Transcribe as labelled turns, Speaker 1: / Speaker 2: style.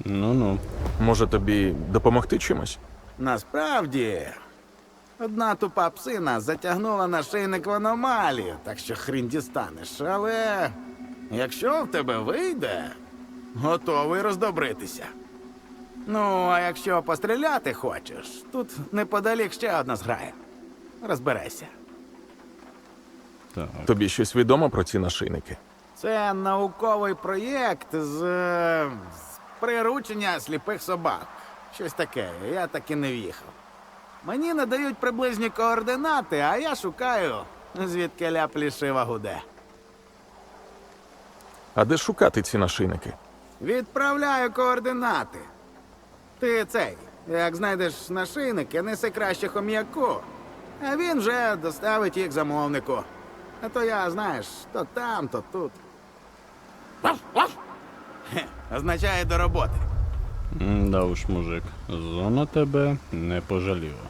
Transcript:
Speaker 1: Ну-ну.
Speaker 2: Може тобі допомогти чимось?
Speaker 3: Насправді, одна тупа псина затягнула нашийник в аномалію, так що хрін дістанеш. Але якщо в тебе вийде, готовий роздобритися. Ну, а якщо постріляти хочеш, тут неподалік ще одна зграя. Розберися.
Speaker 1: Так.
Speaker 2: Тобі щось відомо про ці нашийники?
Speaker 3: Це науковий проєкт з приручення сліпих собак. Щось таке, я так і не в'їхав. Мені надають приблизні координати, а я шукаю, звідки ля плішива гуде.
Speaker 2: А де шукати ці нашийники?
Speaker 3: Відправляю координати. Ти цей, як знайдеш нашийники, неси краще хом'яку, а він вже доставить їх замовнику. А то я, знаєш, то там, то тут. Хе, означає до роботи.
Speaker 1: Да уж, мужик, зона тебе не пожаліла.